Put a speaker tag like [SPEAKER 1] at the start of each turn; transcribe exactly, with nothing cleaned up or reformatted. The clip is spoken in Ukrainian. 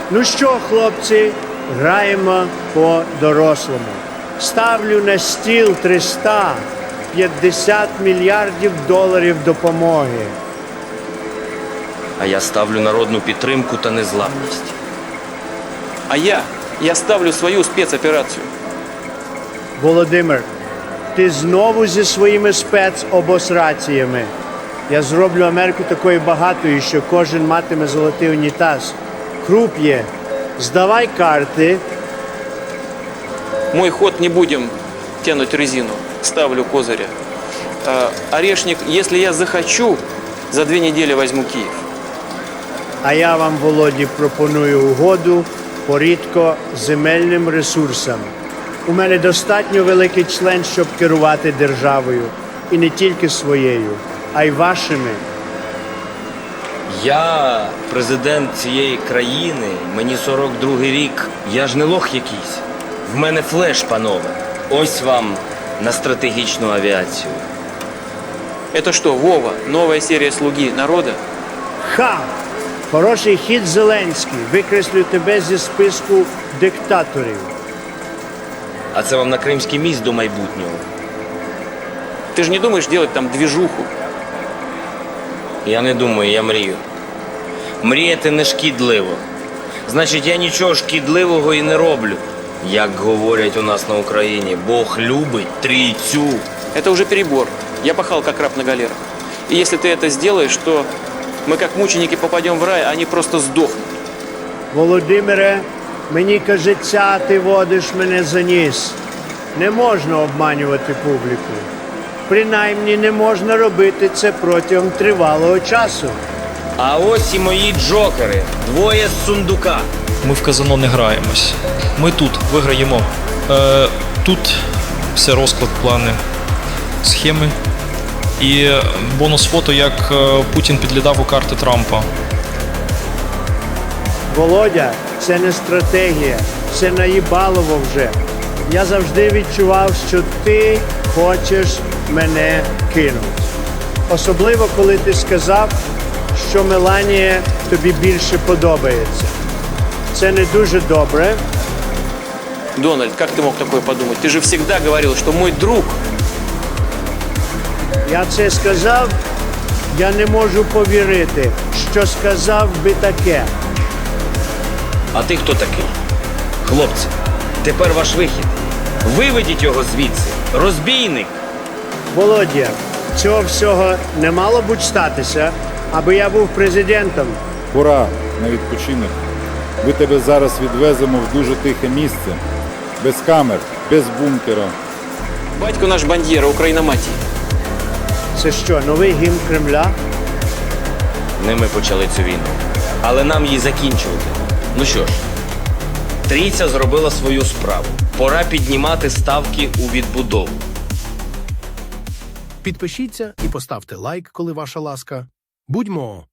[SPEAKER 1] Ну що, хлопці, граємо по-дорослому. Ставлю на стіл триста п'ятдесят мільярдів доларів допомоги.
[SPEAKER 2] А я ставлю народну підтримку та незламність.
[SPEAKER 3] А я, я ставлю свою спецоперацію.
[SPEAKER 1] Володимир, ти знову зі своїми спецобосраціями. Я зроблю Америку такою багатою, що кожен матиме золотий унітаз. Круп є. Здавай карти.
[SPEAKER 3] Мой ход не будем тянуть резину. Ставлю козыря. А, Орешник, если я захочу, за две недели возьму Киев.
[SPEAKER 1] А я вам, Володі, пропоную угоду по рідкоземельним ресурсам. У мене достатньо великий член, щоб керувати державою. І не тільки своєю, а й вашими.
[SPEAKER 2] Я президент цієї країни, мені сорок другий рік. Я ж не лох якийсь. В мене флеш, панове. Ось вам на стратегічну авіацію.
[SPEAKER 3] Это что, Вова, новая серия «Слуги народа»?
[SPEAKER 1] Ха! Хороший хід Зеленський. Викреслю тебе зі списку диктаторів.
[SPEAKER 2] А це вам на Кримський міст до майбутнього.
[SPEAKER 3] Ты же не думаешь делать там движуху?
[SPEAKER 2] Я не думаю, я мрію. Мріяти не шкідливо. Значить, я нічого шкідливого і не роблю. Як говорять у нас на Україні, Бог любить трійцю.
[SPEAKER 3] Это уже перебор. Я пахал как раб на галерах. И если ты это сделаешь, то мы как мученики попадем в рай, а они просто сдохнут.
[SPEAKER 1] Володимире, мені кажеться, ти водиш мене за ніс. Не можна обманювати публіку. Принаймні не можна робити це протягом тривалого часу.
[SPEAKER 2] А ось і мої джокери. Двоє з сундука.
[SPEAKER 4] Ми в казино не граємось. Ми тут виграємо. Е, тут все розклад, плани, схеми. І бонус фото, як е, Путін підглядав у карти Трампа.
[SPEAKER 1] Володя, це не стратегія, це наїбалово вже. Я завжди відчував, що ти хочеш мене кинути. Особливо, коли ти сказав, що Меланія тобі більше подобається. Це не дуже добре.
[SPEAKER 3] Дональд, как ты мог такое подумать? Ты же всегда говорил, что мой друг.
[SPEAKER 1] Я це сказав, я не можу повірити, що сказав би таке.
[SPEAKER 2] А ти хто такий? Хлопці, тепер ваш вихід. Виведіть його звідси. Розбійник.
[SPEAKER 1] Володя, цього всього не мало б статися, аби я був президентом.
[SPEAKER 5] Пора на відпочинок. Ми тебе зараз відвеземо в дуже тихе місце. Без камер, без бункера.
[SPEAKER 3] Батько наш бандьєра, Україноматії.
[SPEAKER 1] Це що, новий гімн Кремля?
[SPEAKER 2] Не ми почали цю війну. Але нам її закінчувати. Ну що ж, трійця зробила свою справу. Пора піднімати ставки у відбудову.
[SPEAKER 6] Підпишіться і поставте лайк, коли ваша ласка. Будьмо!